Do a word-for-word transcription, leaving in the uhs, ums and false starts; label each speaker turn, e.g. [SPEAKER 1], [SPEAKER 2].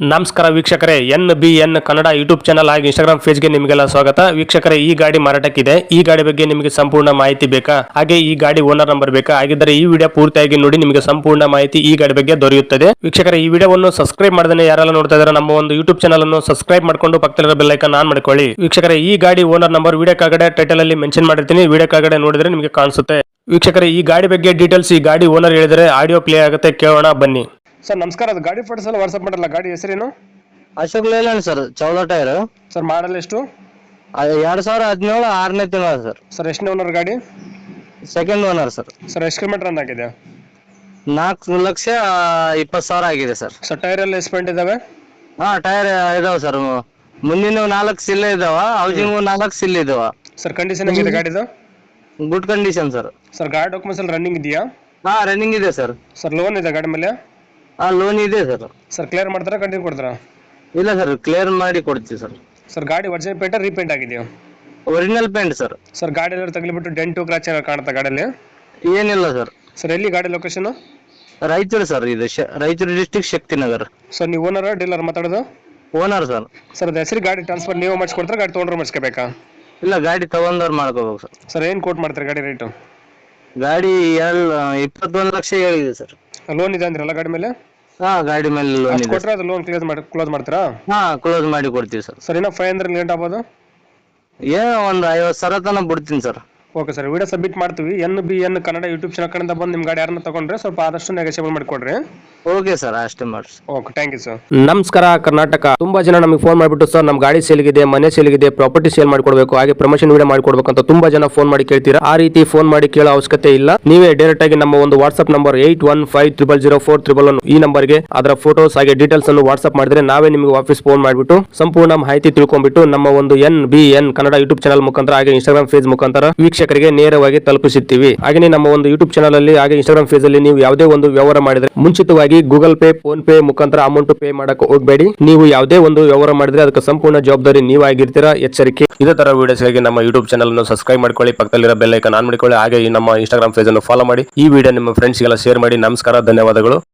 [SPEAKER 1] ನಮಸ್ಕಾರ ವೀಕ್ಷಕರೇ, N B N Kannada YouTube channel ಹಾಗೆ ಇನ್ಸ್ಟಾಗ್ರಾಮ್ ಪೇಜ್ಗೆ ನಿಮಗೆಲ್ಲ ಸ್ವಾಗತ. ವೀಕ್ಷಕರೇ, ಈ ಗಾಡಿ ಮಾರಾಟಕ್ಕಿದೆ. ಈ ಗಾಡಿ ಬಗ್ಗೆ ನಿಮಗೆ ಸಂಪೂರ್ಣ ಮಾಹಿತಿ ಬೇಕಾ, ಹಾಗೆ ಈ ಗಾಡಿ ಓನರ್ ನಂಬರ್ ಬೇಕಾ? ಹಾಗಿದ್ದರೆ ಈ ವಿಡಿಯೋ ಪೂರ್ತಿಯಾಗಿ ನೋಡಿ, ನಿಮಗೆ ಸಂಪೂರ್ಣ ಮಾಹಿತಿ ಈ ಗಾಡಿ ಬಗ್ಗೆ ದೊರೆಯುತ್ತದೆ. ವೀಕ್ಷಕರೇ, ಈ ವಿಡಿಯೋವನ್ನು ಸಬ್ಸ್ಕ್ರೈಬ್ ಮಾಡದೇ ಯಾರೆಲ್ಲ ನೋಡ್ತಾ ಇದ್ದಾರೆ ನಮ್ಮ ಒಂದು ಯೂಟ್ಯೂಬ್ ಚಾನಲ್ ಅನ್ನು ಸಬ್ಸ್ಕ್ರೈಬ್ ಮಾಡ್ಕೊಂಡು ಪಕ್ಕದಲ್ಲಿರೋ ಬೆಲ್ ಐಕಾನ್ ಆನ್ ಮಾಡ್ಕೊಳ್ಳಿ. ವೀಕ್ಷಕರೇ, ಈ ಗಾಡಿ ಓನರ್ ನಂಬರ್ ವಿಡಿಯೋ ಕೆಳಗಡೆ ಟೈಟಲ್ ಅಲ್ಲಿ ಮೆನ್ಷನ್ ಮಾಡಿರ್ತೀನಿ, ವಿಡಿಯೋ ಕೆಳಗಡೆ ನೋಡಿದ್ರೆ ನಿಮಗೆ ಕಾಣಿಸುತ್ತೆ. ವೀಕ್ಷಕರೇ, ಈ ಗಾಡಿ ಬಗ್ಗೆ ಡೀಟೇಲ್ಸ್ ಈ ಗಾಡಿ ಓನರ್ ಹೇಳಿದರೆ ಆಡಿಯೋ ಪ್ಲೇ ಆಗುತ್ತೆ, ಕೇಳೋಣ ಬನ್ನಿ. ಸರ್ ನಮಸ್ಕಾರ, ಅದು ಗಾಡಿ ಫೋಟೋಸ್ ಎಲ್ಲ ವಾಟ್ಸ್ಆಪ್ ಮಾಡಲ್ಲ. ಗಾಡಿ ಹೆಸರೇನು?
[SPEAKER 2] ಅಶೋಕ್ ಲೇಲ್ಯಾಂಡ್ ಸರ್, ಚೌದ ಟೈರ್.
[SPEAKER 1] ಸರ್ ಮಾಡಲ್ ಎಷ್ಟು?
[SPEAKER 2] ಎರಡ್ ಸಾವಿರ ಹದಿನೇಳು ಆರನೇ ತಿಂಗಳ ಸರ್.
[SPEAKER 1] ಸರ್ ಎಷ್ಟನೇ ಓನರ್ ಗಾಡಿ?
[SPEAKER 2] Second owner sir.
[SPEAKER 1] ಸರ್ ಎಷ್ಟು ಕಿಲೋಮೀಟರ್ ರನ್ ಆಗಿದೆ?
[SPEAKER 2] ನಾಲ್ಕು ಲಕ್ಷ ಇಪ್ಪತ್ತು ಸಾವಿರ ಆಗಿದೆ ಸರ್.
[SPEAKER 1] ಸರ್ ಟೈರ್ ಎಲ್ಲ ಎಸ್ಪೆಂಟ್ ಇದಾವೆ?
[SPEAKER 2] ಹಾ, ಟೈರ್ ಇದಾವ ಸರ್. ಮುಂದಿನ ನಾಲ್ಕು ಸಿಲ್ ಇದಾವ, ಹೌಸಿಂಗ್ ನಾಲ್ಕು ಸಿಲ್ ಇದಾವ.
[SPEAKER 1] ಸರ್ ಕಂಡೀಷನ್ ಹೆಂಗಿದೆ ಗಾಡಿದು?
[SPEAKER 2] Good condition sir.
[SPEAKER 1] ಸರ್ ಗಾಡಿ ಡಾಕ್ಯುಮೆಂಟ್ಸ್ ಎಲ್ಲ ರನ್ನಿಂಗ್ ಇದೆಯಾ?
[SPEAKER 2] ಹಾ, ರನ್ನಿಂಗ್ ಇದೆ ಸರ್.
[SPEAKER 1] ಸರ್ ಲೋನ್ ಇದೆ ಗಾಡಿ ಮೇಲೆ?
[SPEAKER 2] ಹಾ, ಲೋನ್ ಇದೆ ಸರ್.
[SPEAKER 1] ಸರ್ ಕ್ಲಿಯರ್ ಮಾಡ್ತಾರಾ, ಕಂಟಿನ್ಯೂ ಕೊಡ್ತಾರಾ?
[SPEAKER 2] ಇಲ್ಲ ಸರ್, ಕ್ಲಿಯರ್ ಮಾಡಿ ಕೊಡ್ತೀವಿ ಸರ್.
[SPEAKER 1] ಸರ್ ಗಾಡಿ ಒರಿಜಿನಲ್ ಪೇಂಟ್ ರೀಪೇಂಟ್ ಆಗಿದೆಯಾ?
[SPEAKER 2] Original paint sir.
[SPEAKER 1] ಸರ್ ಗಾಡಿ ಎಲ್ಲ ತಗಲಿಬಿಟ್ಟು ಡೆಂಟು ಕ್ರಾಚ್ ಏನಾರು ಕಾಣುತ್ತಾ ಗಾಡಿಯಲ್ಲಿ?
[SPEAKER 2] ಏನಿಲ್ಲ ಸರ್.
[SPEAKER 1] ಸರ್ ಎಲ್ಲಿ ಗಾಡಿ ಲೊಕೇಶನ್?
[SPEAKER 2] ರಾಯಚೂರು ಸರ್. ಇದು ಶ- ರಾಯಚೂರು ಡಿಸ್ಟಿಕ್ ಶಕ್ತಿನಗರ್.
[SPEAKER 1] ಸರ್ ನೀವು ಓನರ್ ಡೀಲರ್ ಮಾತಾಡೋದು?
[SPEAKER 2] Owner sir.
[SPEAKER 1] ಸರ್ ಅದು ಹೆಸರು ಗಾಡಿ ಟ್ರಾನ್ಸ್ಫರ್ ನೀವು ಮಾಡಿಸ್ಕೊಡ್ತಾರೆ, ಗಾಡಿ ತೊಗೊಂಡ್ರೆ ಮಾಡಿಸ್ಕೋಬೇಕಾ?
[SPEAKER 2] ಇಲ್ಲ, ಗಾಡಿ ತಗೊಂಡವ್ರು ಮಾಡ್ಕೋಬೇಕು ಸರ್.
[SPEAKER 1] ಸರ್ ಏನು ಕೋಟ್ ಮಾಡ್ತಾರೆ ಗಾಡಿ ರೇಟು?
[SPEAKER 2] ಗಾಡಿ ಎಲ್ ಇಪ್ಪತ್ತೊಂದು ಲಕ್ಷ ಹೇಳಿದೆ ಸರ್.
[SPEAKER 1] ಲೋನ್ ಇದೆ ಅಂದ್ರಲ್ಲ ಗಾಡಿ ಮೇಲೆ?
[SPEAKER 2] ಹಾ, ಗಾಡಿ ಮೇಲೆ ಲೋನ್
[SPEAKER 1] ಅಷ್ಟು
[SPEAKER 2] ಇದೆ.
[SPEAKER 1] ಕೊಟ್ಟರೆ ಅದು ಲೋನ್ ಕ್ಲಿಯರ್ ಮಾಡಿ ಕ್ಲೋಸ್ ಮಾಡ್ತೀರಾ?
[SPEAKER 2] ಹಾ, ಕ್ಲೋಸ್ ಮಾಡಿ ಕೊಡ್ತೀವಿ ಸರ್.
[SPEAKER 1] ಸರ್ ಇನ್ನೂ ಫೈವ್ ಹಂಡ್ರೆಡ್ ಲೇಟ್ ಆಗ್ಬೋದು?
[SPEAKER 2] ಏನೋ ಒಂದು ಐವತ್ತು ಸಾವಿರ ತನಕ ಬಿಡ್ತೀನಿ sir.
[SPEAKER 1] Okay sir, video submit ಮಾಡ್ತೀವಿ. N B N Kannada YouTube channel ಕಡೆಯಿಂದ ಬಂದು ನಿಮ್ಮ ಗಾಡಿ ಯಾರನ್ನ ತಗೊಂಡ್ರೆ ಸ್ವಲ್ಪ ಆದಷ್ಟು ನೆಗೋಷಿಯೇಬಲ್ ಮಾಡಿಕೊಡ್ರಿ.
[SPEAKER 2] ಓಕೆ ಸರ್, ಅಷ್ಟೇ ಮಾಡ್ರಿ.
[SPEAKER 1] Okay, thank you sir. ನಮಸ್ಕಾರ ಕರ್ನಾಟಕ. ತುಂಬಾ ಜನ ನಮಗೆ ಫೋನ್ ಮಾಡಿಬಿಟ್ಟು ಸರ್ ನಮ್ಮ ಗಾಡಿ ಸೇಲ್ಗಿದೆ, ಮನೆ ಸೇಲ್ಗಿದೆ, ಪ್ರಾಪರ್ಟಿ ಸೇಲ್ ಮಾಡ್ಕೊಡ್ಬೇಕು, ಹಾಗೆ ಪ್ರಮೋಷನ್ ವಿಡಿಯೋ ಮಾಡ್ಕೊಡ್ಬೇಕು ಅಂತ ತುಂಬಾ ಜನ ಫೋನ್ ಮಾಡಿ ಕೇಳ್ತೀರಾ. ಆ ರೀತಿ ಫೋನ್ ಮಾಡಿ ಕೇಳೋ ಅವಶ್ಯಕತೆ ಇಲ್ಲ. ನೀವೇ ಡೈರೆಕ್ಟ್ ಆಗಿ ನಮ್ಮ ಒಂದು WhatsApp number eight one five triple zero four triple one ಈ ನಂಬರ್ಗೆ ಅದರ ಫೋಟೋಸ್ ಹಾಗೆ ಡೀಟೇಲ್ಸ್ ಅನ್ನು ವಾಟ್ಸ್ಆಪ್ ಮಾಡಿದ್ರೆ ನಾವೇ ನಿಮಗೆ ವಾಪಸ್ ಫೋನ್ ಮಾಡಿಬಿಟ್ಟು ಸಂಪೂರ್ಣ ಮಾಹಿತಿ ತಿಳ್ಕೊಂಡ್ಬಿಟ್ಟು ನಮ್ಮ ಒಂದು N B N Kannada YouTube channel ಮುಖಾಂತರ ಹಾಗೆ ಇನ್ಸ್ಟಾಗ್ರಾಮ್ ಫೇಸ್ ಮುಖಾಂತರ ವೀಕ್ಷಕರಿಗೆ ನೇರವಾಗಿ ತಲುಪಿಸುತ್ತೀವಿ. ಹಾಗೆ ನಮ್ಮ ಒಂದು ಯೂಟ್ಯೂಬ್ ಚಾನಲ್ ಅಲ್ಲಿ ಹಾಗೆ ಇನ್ಸ್ಟಾಗ್ರಾಮ್ ಫೇಸ್ ಅಲ್ಲಿ ನೀವು ಯಾವುದೇ ಒಂದು ವ್ಯವಹಾರ ಮಾಡಿದ್ರೆ ಮುಂಚಿತವಾಗಿ ಗೂಗಲ್ ಪೇ, ಫೋನ್ ಪೇ ಮುಖಾಂತರ ಅಮೌಂಟ್ ಪೇ ಮಾಡಕ್ಕೆ ಹೋಗಬೇಡಿ. ನೀವು ಯಾವುದೇ ಒಂದು ವ್ಯವಹಾರ ಮಾಡಿದ್ರೆ ಅದಕ್ಕೆ ಸಂಪೂರ್ಣ ಜವಾಬ್ದಾರಿ ನೀವಾಗಿರ್ತೀರಾ, ಎಚ್ಚರಿಕೆ. ಇದೇ ತರ ವಿಡಿಯೋಸ್ಗಾಗಿ ನಮ್ಮ ಯೂಟ್ಯೂಬ್ ಚಾನಲ್ ಅನ್ನು ಸಬ್ಸ್ಕ್ರೈಬ್ ಮಾಡ್ಕೊಳ್ಳಿ, ಪಕ್ಕದಲ್ಲಿರೋ ಬೆಲ್ ಐಕಾನ್ ಆನ್ ಮಾಡಿಕೊಳ್ಳಿ, ಹಾಗೆ ನಮ್ಮ ಇನ್ಸ್ಟಾಗ್ರಾಮ್ ಪೇಜ್ ಅನ್ನು ಫಾಲೋ ಮಾಡಿ. ಈ ವಿಡಿಯೋ ನಿಮ್ಮ ಫ್ರೆಂಡ್ಸ್ಗೆಲ್ಲ ಶೇರ್ ಮಾಡಿ. ನಮಸ್ಕಾರ, ಧನ್ಯವಾದಗಳು.